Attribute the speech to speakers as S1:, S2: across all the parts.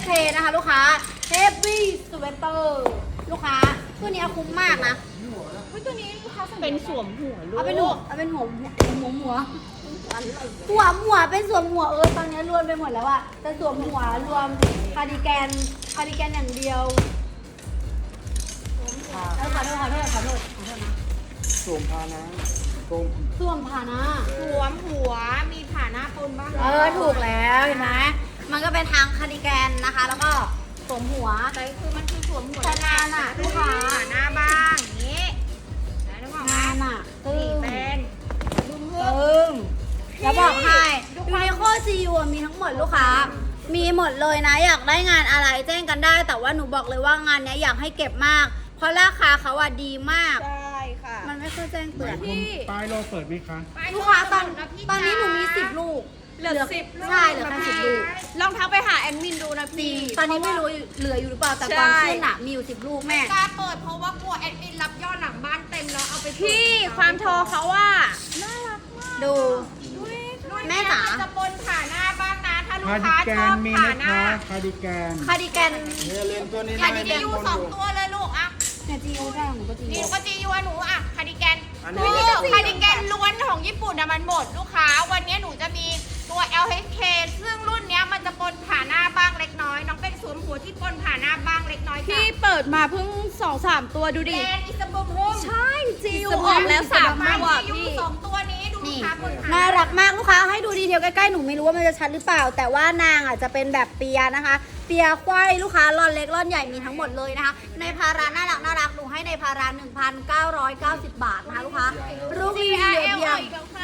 S1: LHK นะคะลูกค้า Heavy Sweater ลูกค้าตัวนี้คุ้มมากนะตัวนี้ลูกค้า
S2: เป็นสวมหัวลูก
S1: เอาเป็นหัวเป็นสวมหัวตอนนี้รวมไปหมดแล้วอะแต่สวมหัวรวมคาร์ดิแกนอย่างเดียวขอโทษนะ
S3: สวมพานะ
S1: สวมผ่านะ
S2: สวมหัวมีผ่าหน้าปนบ้าง
S1: ถูกแล้วเห็นไหมมันก็เป็นทางคาร์ดิแกนนะคะแล้วก็สวมหัว
S2: แต่คือมันคือสวมหัว
S1: แต่งานอะลูกค้า
S2: ผ่าหน้าบ้างอย่างนี้
S1: งานอะ
S2: นี่เป็น
S1: แล้วบอกให้ยูนิโคซีอูมีทั้งหมดลูกค้ามีหมดเลยนะอยากได้งานอะไรแจ้งกันได้แต่ว่าหนูบอกเลยว่างานนี้อยากให้เก็บมากเพราะราคาเขาอะดีมาก
S2: ใช่ค่ะ
S1: มันไม่ค่อยแจ้งเตือน
S3: ป้ายเราเปิดไหมคะ
S1: ลูกค้าตอนนี้หนูมี10 ลูก
S2: เหลือ10
S1: ใช่เหลือแค่10 ลูก
S2: ลองทักไปหาแอดมินดูนะพี่
S1: ตอนนี้ไม่รู้เหลืออยู่หรือเปล่าแต่ตอนขึ้นอะมีอยู่10 ลูกแม่
S2: กล้าเปิดเพราะว่ากลัวแอดมินรับยอดหลังบ้านเต็มแล้วเอาไปพี่ความโทรเขาว่าน่ารักมาก
S1: ดูแม่จ๋า
S2: จะปนผ่าหน้าบ้างนะถ้าลูกค้าชอบผ่าหน้า
S3: คาร์ดิแกน
S1: เลน
S3: ตัวนี้
S2: คาร์ดิแกน2 ตัวเลยลูกอ่ะ
S1: เนี่ยจีอูได้หนูก็จีอู
S2: นี่ก็จีอูหนูอ่ะคาร์ดิแกนคาร์ดิแกนล้วนของญี่ปุ่นมันหมดลูกค้าวันนี้หนูจะมีตัว LHK ซึ่งรุ่นนี้มันจะปนผ่าหน้าบ้างเล็กน้อยน้องเป็นสวมหัวที่ปนผ่าหน้าบ้างเล็กน้อย
S4: พี่เปิดมาเพิ่ง 2-3 ตัวดูดิ
S2: แอนอิสบูมโฮม
S4: ใช่จีอูออกแล้ว3 ตัว
S2: พี่2 ตัวนี้ดูลูกค้าปนผ่า
S1: น่ารักมากลูกค้าให้ดูดีเทลใกล้ๆหนูไม่รู้ว่ามันจะชัดหรือเปล่าแต่ว่านางอ่ะจะเป็นแบบเปียนะคะเปียควายลูกค้าร่อนเล็กร่อนใหญ่มีทั้งหมดเลยนะคะในพาราน่ารักหนูให้ในพารา 1,990 บาทนะคะลูกค้าลูกรีวิวเพียง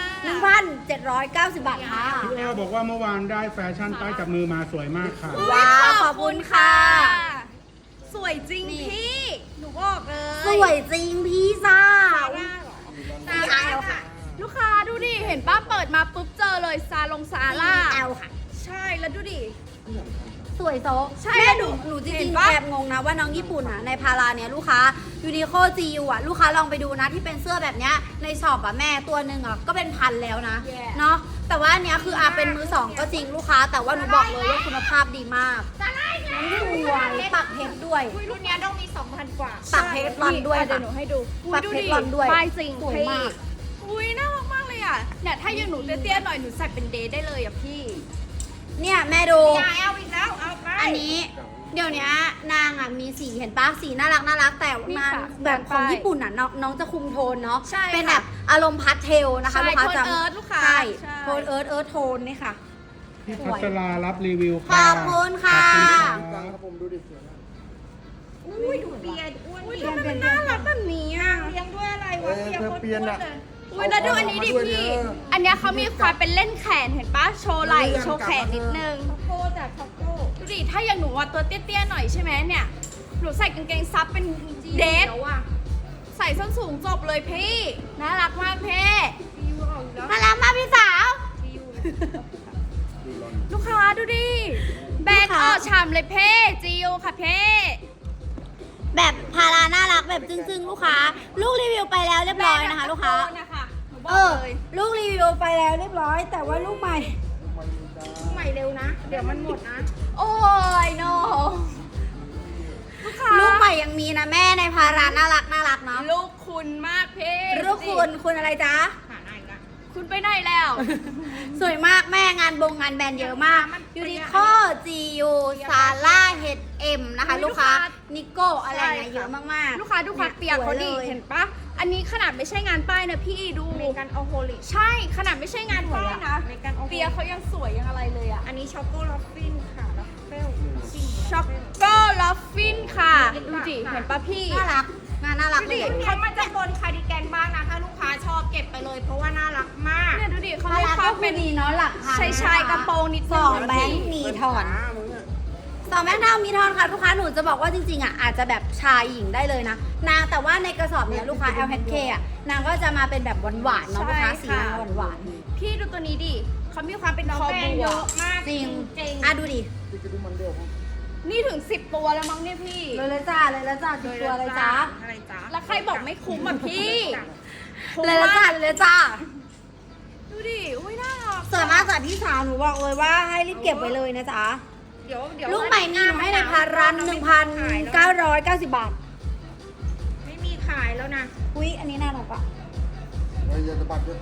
S1: 1,790 บาทค่ะ
S3: พี่แอลบอกว่าเมื่อวานได้แฟชั่นป้ายจับมือมาสวยมากค่ะ
S1: ว้าวขอบคุณค่ะ
S4: สวยจริงพี่หนูบอกเลย
S1: สวยจริงพี่ซ่า
S4: พี่ไอลค่ะลูกค้าดูดิเห็นป้าเปิดมาปุ๊บเจอเลยซาร่า
S1: แอลค่ะ
S4: ใช่แล้วดูดิ
S1: สวยโซ
S4: ใช่
S1: แม่หนูจริงๆแอบงงนะว่าน้องญี่ปุ่นอ่ะในพาราเนี้ยลูกค้ายูนิโคจีอูอ่ะลูกค้าลองไปดูนะที่เป็นเสื้อแบบเนี้ยในช็อปอ่ะแม่ตัวหนึ่งอ่ะก็เป็น1,000แล้วนะเนาะแต่ว่าอันเนี้ยคือเป็นมือสองก็จริงลูกค้าแต่ว่าหนูบอกเลยว่าคุณภาพดีมากสวยปักเพชรด้วย
S2: รุ่นนี้ต้องมี 2,000 กว่า
S1: ปักเพชรรอนด้วย
S4: เดี๋ยวหนูให้ดู
S1: ปักเพชรรอนด้วย
S4: ป้ายจริง
S1: สวยมาก
S4: อุ้ยน่ารักมากเลยอ่ะเนี่ยถ้าอย่างหนูเตี้ยๆหน่อยหนูใส่เป็นเดย์ได้เลยอ่ะพี่
S1: เนี่ยแม่ดู
S2: เอาอีกแล้วเอาไป
S1: อันนี้เดี๋ยวนี้นางอ่ะมีสีเห็นปะสีน่ารักแต่นางแบบของญี่ปุ่นอ่ะน้องจะคุมโทนเนาะเป็นแบบอารมณ์พาสเทลนะคะลูกค้าจำใช่โทนเอิร์ธโทนนี่ค่ะ
S3: พี่พัชรารับรีวิว
S1: ค่ะขอบคุณค่ะ
S3: ครับผมดูดิสวยมาก
S2: อุ้ยดูเปียอ้วนดิ
S4: มันน่ารักแบบนี้อ่ะ
S2: เลี้ยงด้วยอะไรวะเปียคนอ้วนเลย
S4: อุ้ยแล้วดูอันนี้ดิพี่อันเนี้ยเขามีความเป็นเล่นแขนเห็นปะโชว์ไหล่โชว์แขนนิดนึง
S2: โคจากคอโก้
S4: ดูดิถ้าอย่างหนูตัวเตี้ยๆหน่อยใช่ไหมเนี่ยหนูใส่กางเกงซับเป็นเดทใส่ส้นสูงจบเลยพี่น่ารักมากเพ่
S1: น่ารักมากพี่สาว
S4: ลูกค้าดูดิแบกออกชามเลยเพ่จิวค่ะเพ่
S1: แบบพาราน่ารักแบบจึ้งๆลูกค้าลูกรีวิวไปแล้วเรียบร้อยนะคะลูกค้าลูกรีวิวไปแล้วเรียบร้อยแต่ว่าลูกใหม่
S2: เร็วนะเดี๋ยวมันหมดนะ
S4: โอ้ยโน
S1: ลูกใหม่ยังมีนะแม่ในพาราน่ารักเนาะ
S4: ลูกคุณมากเพ่
S1: ลูกคุณอะไรจ๊ะ
S4: คุณไปไหนแล้ว
S1: สวยมากแม่งานแบรนด์เยอะมากยูนิโคจียูซาร่าเฮดเอ็มนะคะลูกค้านิโก้อะไรนะเยอะมาก
S4: ๆลูกค้าดูความเปียกเขาดิเห็นปะอันนี้ขนาดไม่ใช่งานป้ายนะพี่ดู
S2: ในการเอาโฮลิ
S4: ใช่ขนาดไม่ใช่งานป้ายนะเปียเขายังสวยยังอะไรเลยอ่ะ
S2: อันนี้ช็อกโกลอฟฟินค่ะลัฟเฟล
S4: ช็อกโกลอฟฟินค่ะดูดิเห็นปะพี่
S1: น่ารักงานน่ารักเลย
S2: มันจะบนคาร์ดิแกนบ้างนะถ้าลูกค้าชอบเก็บไปเลยเพราะว่าน่ารักมาก
S4: เนี่ยดูดิเขาไม่ความเป็น
S1: ดีเนาะหลัก
S4: ชายกระโปรงนิด
S1: นึง2 แบงค์มีทอน2 แบงค์เท่ามีทอนค่ะลูกค้าหนูจะบอกว่าจริงๆอ่ะอาจจะแบบชายหญิงได้เลยนะนางแต่ว่าในกระสอบเนี้ยลูกค้า LHK อ่ะนางก็จะมาเป็นแบบหวานๆเนาะลูกค้าสีหวาน
S4: ๆพี่ดูตัวนี้ดิเขามีความเป็นคอบัว
S2: เยอะมาก
S1: จริงดูดิ
S4: นี่ถึง10 ตัวแล้วมั้งเนี่ยพี่
S1: เลยจ้า10 ตัวเลยจ้า
S4: แล้วใครบอกไม่คุ้มอ่ะพี่
S1: เลยจ้า
S4: ดูดิอุ้ยน่ารัก
S1: สวยมากจ้ะพี่สาวหนูบอกเลยว่าให้รีบเก็บไว้เลยนะจ๊ะ
S2: เดี๋ยว
S1: ลูกใหม่มีหนูให้ในพารัน1,990 บาท
S2: ไม่มีขายแล้วนะ
S1: อุ้ยอันนี้น่ารักอะ
S5: เราจะสะบัดด้วย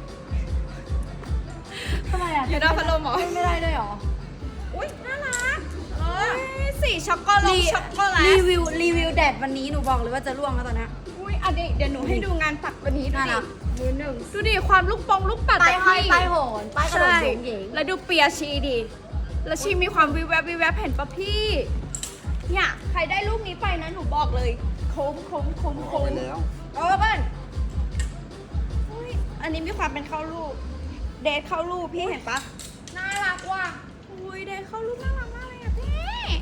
S1: ทำไมอะ
S4: อยู่หน้าพัดลมเหรอ
S1: ไม่ได้ด้วยเหรอ
S2: อุ้ยน่ารัก
S4: สีช็อกโกแลตช็อกโกแล
S1: รี
S4: ต
S1: วิวแดดวันนี้หนูบอกเลยว่าจะร่วงแล้วตอนเนี้ย
S4: อุ้ยอันนี้เดี๋ยวหนูให้ดูงานปักวันนี้ดู
S1: น่า
S4: ดิ
S1: รัก
S2: มือหนึ่ง
S4: ดูดิความลูกลูกปัด
S1: ป้ายห้อย
S4: พี่
S1: ป้ายโหนป้ายกระโดด
S4: ใช่
S1: สูงเหยิง
S4: แล้วดูเปียชีดิแล้วชีมีความวิวแวบเห็นปะพี่ เนี่ยใครได้ลูกนี้ไปนะหนูบอกเลยโค้ง
S5: เอาไปแล้ว
S4: โอ้เบิ้ลอุ้ยอันนี้มีความเป็นเข้าลูก เดทเข้าลูกพี่เห็นปะ
S2: น่ารักว่ะ
S4: อุ้ยเดทเข้าลูกน่ารักมากเลยอะพี่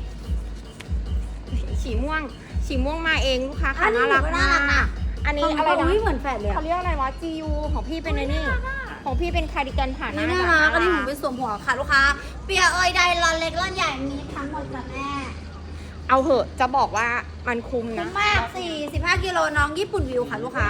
S2: ฉีม่วงมาเองลูกค้า
S1: อั
S2: ค่ะ
S1: นนี้
S2: น่ารัก
S1: หนูก็น่ารัก
S2: มา
S1: นะ
S2: กอันนี้อะไร
S1: ของ
S2: นะ
S1: อุ้ยเหมือนแฝดเลยอะ
S2: เขาเรียกอะไรวะ GU ของพี่เป็นไอ้นี่ ของพี่เป็นคาร์ดิแกนผ่า
S1: อัน
S2: ห
S1: นี้
S2: น้า
S1: น่ารักอันนี้หนูไปสวมหัวค่ะลูกค้า เปียเอยใดรอนเล็กรอนใหญ่มีทั้งหมดจ้ะแม่
S2: เอาเหอะจะบอกว่ามันคุ้ม
S1: คุ้
S2: นะ
S1: มมาก45 กิโลน้องญี่ปุ่นวิวค่ะลูกค้า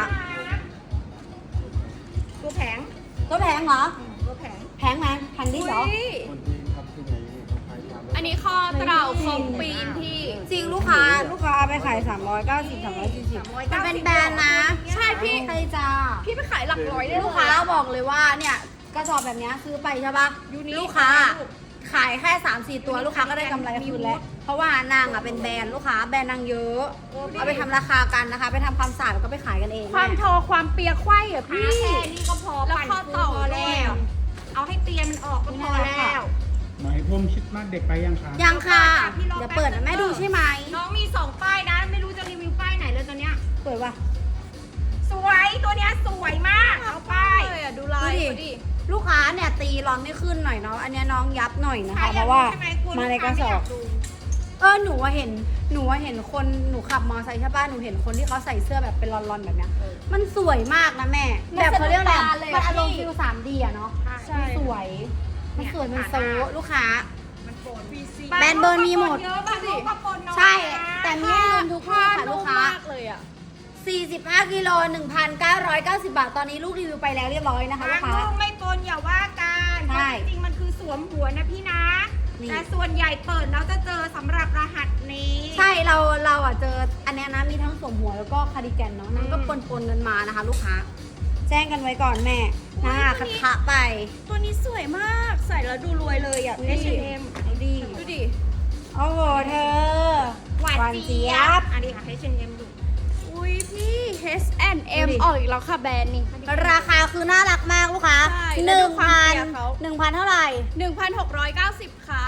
S2: ตัวแผง
S1: ตัวแพงเหรอ
S2: ตัวแผง
S1: แพงไหมแพงดิสเหรอ
S4: อุ้ย
S5: คนที่ทำที่ไหนเขาขายตาม
S4: อันนี้ข้อเต่าคอมปีนพี่
S1: จริงลูกค้าเอาไปขาย390 340มันเป็นแบรนด์นะ
S4: ใช่พี่
S1: ใช่จ้า
S4: พี่ไปขายหลักร้อยได้
S1: ลูกค้าบอกเลยว่าเนี่ยกระสอบแบบเนี้ยซื้อไปใช่ปะลูกค้าขายแค่3-4 ตัวลูกค้าก็ได้กำไรคืนแล้ว เพราะว่านางอ่ะเป็นแบรนด์ลูกค้าแบรนด์นางเยอะ เอาไปทำราคากันนะคะ ไปทำความสะอาดแล้วก็ไปขายกันเอง
S4: ความทอความเปียกไขว้อะ
S2: พี่
S4: พี่
S2: แค่นี้ก็พอ
S4: แล้ว
S2: ปั่น
S4: ข้อ
S2: ฟู
S4: ต่อ
S2: พอแล้ว เอาให้เตียนมันออกก็พอแล้ว
S3: ไหมพรมชิดมากเด็กไปยังคะ
S1: ยังค่ะ
S2: พี่รอ
S1: เดี๋ยวเปิดนะแม่ดูใช่ไหม
S2: น้องมี2ป้ายนะ ไม่รู้จะรีวิวป้ายไหนเลยตอนเนี้ย
S1: เปิดว่ะ
S2: สวยตัวเนี้ยสวยมากเอาป้าย
S4: เลยอะดูลาย
S1: ดูดิ
S4: เขาดิ
S1: ลูกค้าเนี่ยตีร้อนไม่ขึ้นหน่อยเนาะอันเนี้ยน้องยับหน่อยนะ
S2: ใคร
S1: คะ
S2: อ
S1: เพ
S2: ยาก
S1: ราะว่า
S2: ดูใช่ไหมกลัว
S1: มาใน
S2: ลู
S1: กระ
S2: ค้
S1: ส
S2: ไม่
S1: อย
S2: า
S1: บ
S2: ดู
S1: หนูว่าเห็นคนหนูขับมอเตอร์ไซค์ใช่ป่ะหนูเห็นคนที่เขาใส่เสื้อแบบเป็นรอนๆแบบเนี้ยมันสวยมากนะแม่ แบบเขาเรียกอะไรมันอารมณ์ฟิล 3D อะเนาะ
S4: ใช่
S1: มันสวยมันสวยมันโซะลูกค้า
S2: มันโปน
S1: แบรนด์เบอร์มีหมด
S2: เยอะบางลูกก็ปนน้อย
S1: ใช่
S2: นะ
S1: แต่มีให้รวมทุกลูกค่ะลูกค้า
S4: มากเลยอะ
S1: 45 กิโล 1,990 บาท ตอนนี้ลูกรีวิวไปแล้วเรียบร้อยนะคะลู
S2: บาง
S1: กค้า
S2: ลูกไม่ปนอย่าว่ากันเพ
S1: ใช่
S2: ราะจริงๆมันคือสวมหัวนะพี่นะ
S1: นี่
S2: แต่ส่วนใหญ่เปิดแล้วจะเจอสำหรับรหัสนี้
S1: ใช่เราอ่ะเจออันเนี้ยนะมีทั้งสวมหัวแล้วก็คาร์ดิแกนเนาะนั่นก็ปนกันมานะคะ ลูกค้า แจ้งกันไว้ก่อนแม่นะคัทะไป
S4: ตัวนี้สวยมากใส่แล้วดูรวยเลยอะ
S1: อุ๊ย
S4: H&M
S1: เอาดี
S4: ดูดิ
S1: โอ้โหเธอ
S2: หวานเจี๊ยบอันนี้ค่ะให้เชนเอ็มดู
S4: อุ้ยพี่ H&M
S1: ดูดิ
S4: ออกอีกแล้วค่ะแบรนด์นี้
S1: ราคาคือน่ารักมากลูกค้า
S4: ใช่แล้วดูความเปียกเขา
S1: 1,000 เท่าไหร่
S4: 1,690 ค่ะ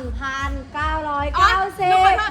S1: 1,990
S4: อ๋อหนูขอโทษ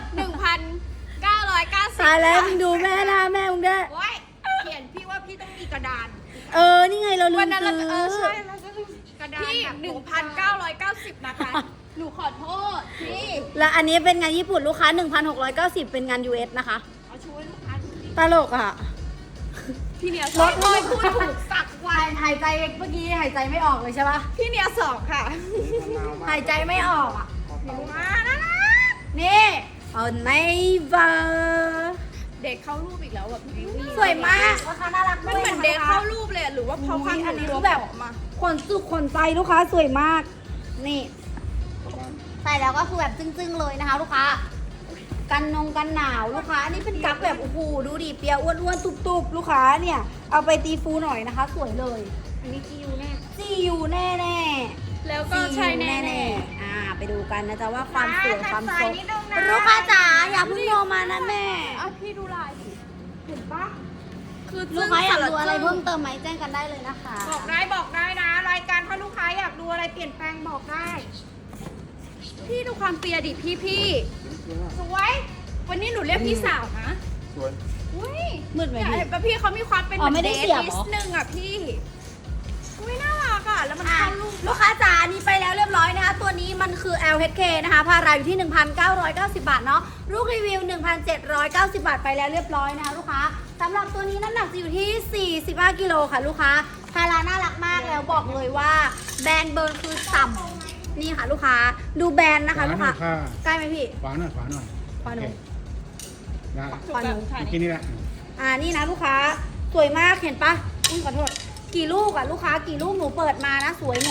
S4: 1,990
S1: ตายแล้วมึงดูแม่นะแม่มึงได้
S2: โอ้ยเขียนพี่ว่าพี่ต้องมีกระดาน
S1: นี่ไงเราลื
S4: วัน
S1: ม
S4: นั้นเรา
S1: ซื้อ
S4: ใช่เราจะ
S2: กระดาน
S4: พี่
S2: แบบ
S4: 1,990 นะคะ หนูขอโทษพี่
S1: และอันนี้เป็นงานญี่ปุ่นลูกค้า 1,690 เป็นงาน US นะคะ
S2: เอาช่วยลูกค้าดูดิ
S1: ตลกอ่ะ
S4: พี่เนีย
S1: รถ
S4: พูดถูก
S2: สักวัน
S1: หายใจเมื่อกี้หายใจไม่ออกเลยใช่ปะ
S4: พี่เนียสอบค่ะ
S1: หายใจไม่ออกอ่ะ
S2: มาแล้วนะ
S1: นี่เอาไนเวอร์
S4: เด็กเข้ารูปอีกแล้วแบบพี่
S1: สวยมากราคาน่ารัก
S4: มัน
S1: ด้วย
S4: เหมือนเด็กเข้ารูปเลยอะหรือว่าเพราะความ
S1: อันนี้
S4: ตั
S1: คื
S4: ว
S1: อแบบ
S4: ผอมมา
S1: ขนสุกขนใจลูกค้าสวยมาก นี่ ใส่แล้วก็คือแบบจึ้งๆเลยนะคะ ลูกค้า กันหนาวลูกค้าอันนี้เป็นกั๊กแบบโอ้โหดูดิเปียอ้วนๆตุบๆลูกค้าเนี่ยเอาไปตีฟูหน่อยนะคะ สวยเลย
S2: อันนี้จียูแน่
S1: ซียูแน่ๆ
S4: แล้วก็ใช่แน่
S1: ไปดูกันนะจ๊ะว่าความสวยความ
S2: ใส่
S1: โซ
S2: นิดนึงนะ
S1: ลูกค้าจ๋าอย่าเพิ่งโทรมานะแม่
S4: ๆอ่ะพี่ดูลายดิ
S2: เห็นปะ
S4: คือ
S1: ลูกค้าอยากดูอะไร
S4: จึ้ง
S1: เพิ่มเติมไหมแจ้งกันได้เลยนะคะ
S2: บอกได้นะ รายการถ้าลูกค้าอยากดูอะไรเปลี่ยนแปลงบอกได้
S4: พี่ดูความเปียดิพี่
S2: สวย
S4: วันนี้หนูเรียกพี่สาวนะ
S5: สวย
S4: อุ้ย
S1: มืดไหม
S4: เนี่ย
S1: พี่
S4: เห็นปะพี่เขามีความเป็น
S1: อ๋อไม่ได้เสียบ
S4: นิ
S1: เหรอ
S4: ดนึงอ่ะพี่อุ้ยน่ารักอ่ะแล้วมัน
S1: อ่ะ
S4: เข้ารูป
S1: ลูกค้าจ๋าอันนี้ไปแล้วเรียบร้อยนะคะ ตัวนี้มันคือ LHK นะคะพาราอยู่ที่ 1,990 บาทเนาะลูกรีวิว 1,790 บาทไปแล้วเรียบร้อยนะคะลูกค้าสำหรับตัวนี้น้ำหนักจะอยู่ที่ 45 กิโลค่ะลูกค้าพาราน่ารักมากแล้วบอกเลยว่าแบรนด์เบิร์นคือต่ำนี่ค่ะลูกค้าดูแบรนด์นะคะ
S3: ขวา
S1: ลูก
S3: หน่
S1: ค้า
S3: อยค่ะ
S1: ใกล้ไหมพี่
S3: ขวาหน่อยขวาหน่อย
S1: ขวาหน่อย
S3: โอเคได้
S1: ขวาหนู
S3: เมื่อกี้นี่แหละ
S1: นี่นะลูกค้าสวยมากเห็นปะอุ้ยขอโทษกี่ลูกอะลูกค้ากี่ลูกหนูเปิดมานะสวยหมด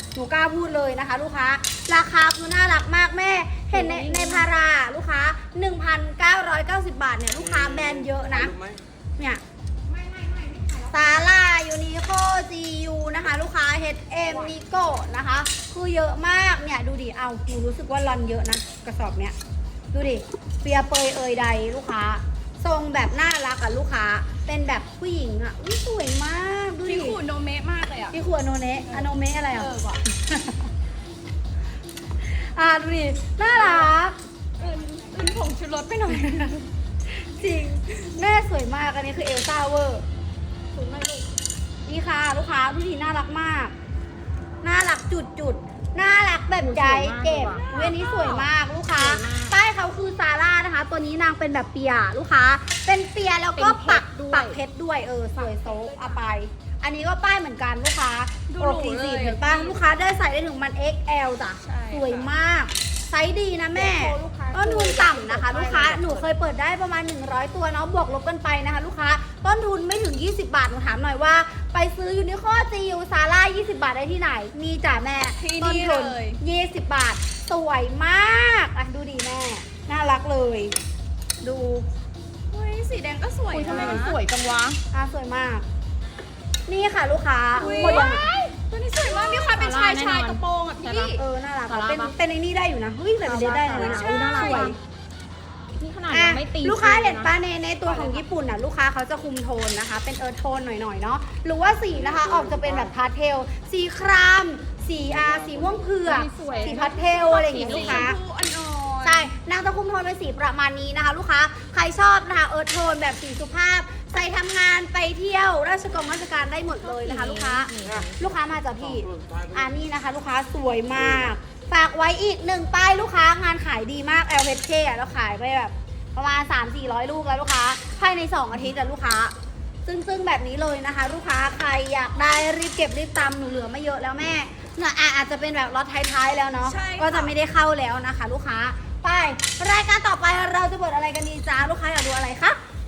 S1: หนูกล้าพูดเลยนะคะ ลูกค้าราคาคือน่ารักมากแม่เห็นในพาราลูกค้า 1,990 บาทเนี่ยลูกค้าแบรนด์เยอะนะเนี่ยซาร่ายูนิโคจียูนะคะลูกค้า H&M นิโก้นะคะคือเยอะมากเนี่ยดูดิเอาหนูรู้สึกว่าลอนเยอะนะกระสอบเนี้ยดูดิเปียเปยเอยใดลูกค้าทรงแบบน่ารักอ่ะลูกค้าเป็นแบบผู้หญิงอ่ะอุ๊ยสวยมากดูดิ
S4: พี่ขูดโนเมะมากเลยอ่ะ
S1: พี่ขวดโนเนะอะโนเมะอะไรอ่ะ
S4: ว่ะ
S1: ดูดิน่ารัก
S4: อื่นผงชูรสไปหน่อย
S1: จริงแม่สวยมากอันนี้คือเอลซ่าเวอร์
S4: ถูกไหมลูก
S1: นี่ค่ะลูกค้าดูดิน่ารักมาก น่ารักจุดน่ารักแบบใจเก็บเวยนนี้สวยมากลูกค้าป้ายเขาคือซาร่านะคะ ตัวนี้นางเป็นแบบเปียลูกค้า เป็นเปียแล้วก็ปักเพชรด้วยสวยโซะเอาไป อันนี้ก็ป้ายเหมือนกันลูกค้าอก40เห็นป่ะลูกค้าได้ใส่ได้ถึงมัน XL จ้ะสวยมากไซส์ดีนะแม่ต้นทุนต่ำนะคะ ลูกค้าหนูเคยเปิดได้ประมาณ100ตัวเนาะบวกลบกันไปนะคะลูกค้าต้นทุนไม่ถึง20 บาทหนูถามหน่อยว่าไปซื้อยูนิโคจียูซาร่า20 บาทได้ที่ไหนมีจ้ะแม่
S4: ที่
S1: ต้น
S4: นี่
S1: ทุน
S4: เลย
S1: 20 บาทสวยมากอ่ะดูดีแม่น่ารักเลย ดู
S4: เฮ้ยสีแดงก็สวย
S1: อุ๊ยทำไม
S4: นะ
S1: มันสวย
S4: จังวะ
S1: สวยมาก นี่ค่ะลูกค้า
S4: อุ๊ย
S1: หมดยัง
S4: ตัวนี้สวยมากมีความเป็นชายกระโปรงอ่ะพี่
S1: น่ารักอะเป็นไอ้นี่ได้อยู่นะเฮ้ยแบบนี้ได้เลยนะ
S4: ใช่
S1: สวย
S4: นี่ขนาด
S1: อ่ะ
S4: ยังไม่ตี
S1: ลูกค้าเห็นป้าในตัวของญี่ปุ่นน่ะลูกค้าเขาจะคุมโทนนะคะ เป็นเอิร์ธโทนหน่อยๆเนาะหรือว่าสีนะคะออกจะเป็นแบบพาสเทลสีครามสีสีม่วงเผือกสีพาสเทลอะไรอย่างเงี้ยลูกค้า
S4: อ่อนๆ
S1: ใช่ นางจะคุมโทนเป็นสีประมาณนี้นะคะ ลูกค้า ใครชอบนะคะเอิร์ธโทนแบบสีสุภาพ ใส่ทำงานไปเที่ยวราชการได้หมดเลยนะคะ ลูกค้า ลูกค้ามาจากพี่ นี่นะคะ ลูกค้าสวยมาก ฝากไว้อีก1ป้ายลูกค้างานขายดีมาก LHK อ่ะเราขายไปแบบประมาณ 300-400 ลูกแล้วลูกค้าภายใน2อาทิตย์อะลูกค้า ซึ่งแบบนี้เลยนะคะ ลูกค้าใครอยากได้รีบเก็บรีบตำหนูเหลือไม่เยอะแล้วแม่เนี่ยอาจจะเป็นแบบล็อตท้ายๆแล้วเนาะ
S4: ใช่ค่ะ
S1: ก็จะไม่ได้เข้าแล้วนะคะ ลูกค้าไปรายการต่อไปเราจะเปิดอะไรกันดีจ้าลูกค้าอยากดูอะไรคะ